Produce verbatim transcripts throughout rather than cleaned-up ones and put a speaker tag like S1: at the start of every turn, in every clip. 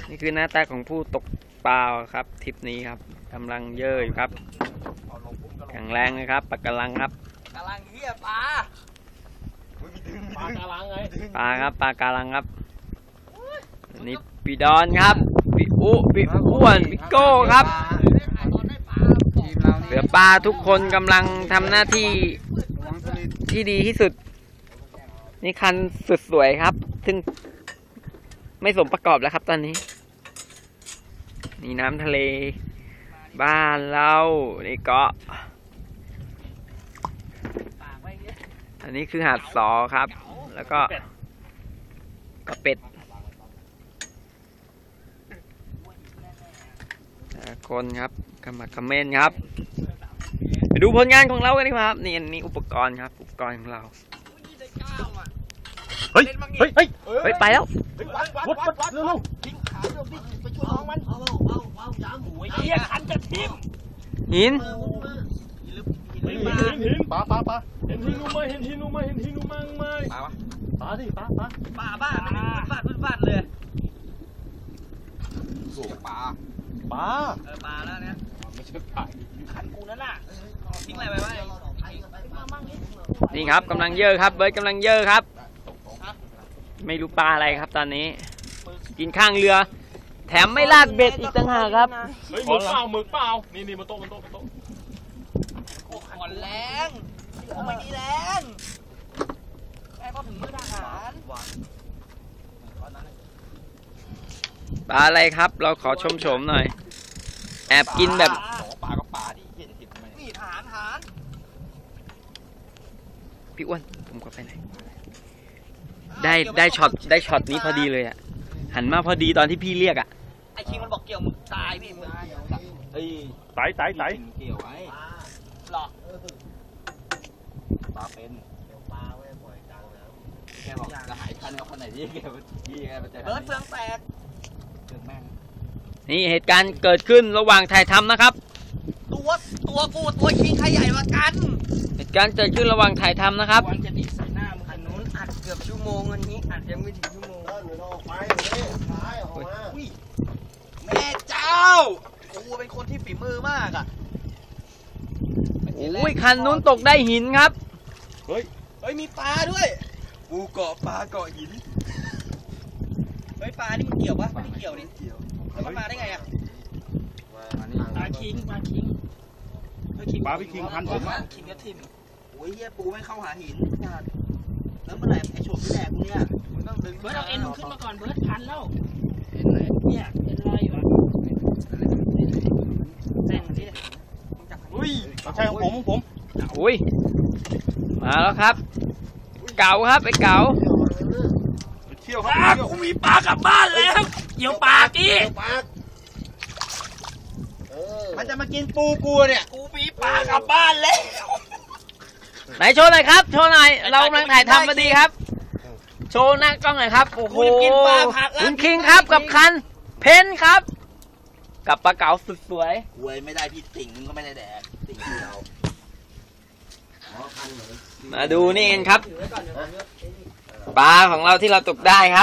S1: นี่คือหน้าตาของผู้ตกปลาครับทริปนี้ครับกำลังเยอะอยู่ครับแข็งแรงเลยครับปลากระลังครับ
S2: กระลังเหี้ยปลา
S3: ปลากระลังไง
S1: ปลาครับปลากระลังครับนี่ปีดอนครับปีอุปีอ้วนปีโก้ครับเหลือปลาทุกคนกำลังทำหน้าที่ที่ดีที่สุดนี่คันสุดสวยครับซึ่งไม่สมประกอบแล้วครับตอนนี้นี่น้ำทะเลบ้านเรานี่เกาะอันนี้คือหาดสอครับแล้วก็ก็เป็ดคนครับกำมักกำเมนครับไปดูผลงานของเรากันดีกว่าครับนี่อันนี้อุปกรณ์ครับอุปกรณ์ของเรา
S3: เฮ้ยเฮ้ยเฮ้ย
S1: เฮ้ยไปแล้ว
S3: วัดวัดวัดเร็วทิ้งขาเร็วดิไปช่วยน้องมันเอาเอาเอาเอายางหมูไอ้เหี้ยคันกระทิม
S1: หิน
S3: เห็นหินปลาปลาปลาเห็นหินนูไหมเห็นหินนูไหมเห็นหินนูมั้งไหมปลาปลาดิปลาปลา
S2: ปลาบ้าไม่ได้ฟาดฟาดเลยสูบปลา
S3: ปลา
S2: เออปลาแล้วเนี่ย
S3: ไม่ใช่ปลา
S2: ขันกูนั่นน่ะทิ้งอะไรไปวะ
S1: นี่ครับกำลังเยอะครับเบิร์ดกำลังเยอะครับไม่รู้ปลาอะไรครับตอนนี้กินข้างเรือแถมไม่ลากเบ็ดอีกต่างหากครับ
S3: เฮ้ยหมึกเปล่าหมึกเปล่านี่นี่มาโต๊ะมาโต๊ะมาโต๊ะ
S2: อ่อนแรงโอ้ไม่ดีแรงแม่ก็ถึงมือทหาร
S1: ปลาอะไรครับเราขอชมชมหน่อยแอบกินแบบ
S2: ปลาก็ปลาดิเหี้ยจะติดทำไมนี่ทหารทหาร
S1: พี่อ้วนผมก็ไปไหนได้ได้ช็อตได้ช็อตนี้พอดีเลยอ่ะหันมาพอดีตอนที่พี่เรียกอ่ะ
S2: ไอ้คิงมันบอกเกี่ยวมึงตายพี่มึง
S3: เอ้ยไต่ไต่ไต่
S2: เกี่ยวไว้หรอปลาเป็นปลาไว้บ่อยจังแล้วแกบอกจะหายคันเอาคนไหนที่แกที่แกมันจะเบิร์ดเฟืองแตกเฟืองแม่ง
S1: นี่เหตุการณ์เกิดขึ้นระหว่างถ่ายทำนะครับ
S2: ตัวตัวกูตัวคิงใครใหญ่กว่ากัน
S1: เหตุการณ์เกิดขึ้นระหว่างถ่ายทำนะครับ
S2: วันจะติดใส่หน้ามึงคันนู้นอัดเกือบชั่วโมงอันนี้อัดยังไม่ถึงชั่วโมงแม่เจ้ากูเป็นคนที่ฝีมือมากอ่ะ
S1: โอ้ยคันนู้นตกได้หินครับ
S2: เฮ้ยเฮ้ยมีปลาด้วยกูเกาะปลาเกาะหินเฮ้ยปลานี่มันเกี่ยวปะไม่ได้เกี่ยวนี่แล้วมันมาได้ไงอ่ะปลาคิงปลาคิง
S3: ปลาพี่คิงพันผมอ่ะ
S2: คิงกระทิมโอ้ยเฮียปูไม่เข้าหาหินแล้วเมื่อไหร่ไอ้โฉบที่แดกกูเนี่ยมันต้องดึง
S4: เบิร์ดเอาเอ็นขึ้นมาก่อนเบิร์ดพันแล้วเนี่ยเอ็นลอยอยู่อ่ะเส้นที่
S3: อุ้ยใช่ของผมของผม
S1: อุ้ยมาแล้วครับเก๋าครับไอ้เก๋า
S3: เที่ยวครับ
S4: กูมีปลากลับบ้านแล้วเกี่ยวปลากี้
S2: มันจะมากินปูกูเนี่ยกูมีปลากลับบ้านแล้ว
S1: ไหนโชว์หน่อยครับโชว์หน่อยเรากำลังถ่ายทำพอดีครับโชว์หน้ากล้องหน่อยครับโอ้โหคุณคิงครับกับคันเพนครับกับปลาเก๋าสุดสวย
S2: เว้ยไม่ได้พี่ติ่งมึงก็ไม่ได้แดกติ่งเดียว
S1: มาดูนี่กันครับปลาของเราที่เราตกได้ครับ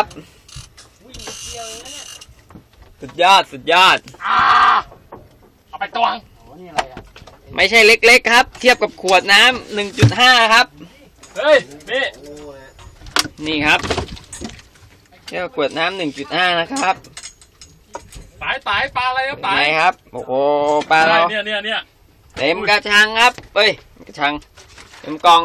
S1: สุดยอดสุดยอด
S3: เอาไปตวง
S1: ไม่ใช่เล็กๆครับเทียบกับขวดน้ำ หนึ่งจุดห้า ครับ
S3: เฮ้ยนี่
S1: นี่ครับเทียบกับขวดน้ำ หนึ่งจุดห้า นะครับ
S3: ตายตายปลาอะไรครับตาย
S1: ไหนครับโอ้โหปลาเรา
S3: เนี่ยเนี่ยเนี่ย
S1: เต็มกระชังครับเอ้ยกระชังเต็มกล่อง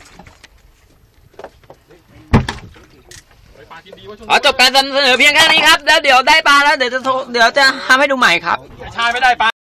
S1: ขอจบการนำเสนอเพียงแค่นี้ครับแล้วเดี๋ยวได้ปลาแล้วเดี๋ยวจะโทรเดี๋ยวจะทำให้ดูใหม่ครับ
S3: ชายไม่ได้ปลา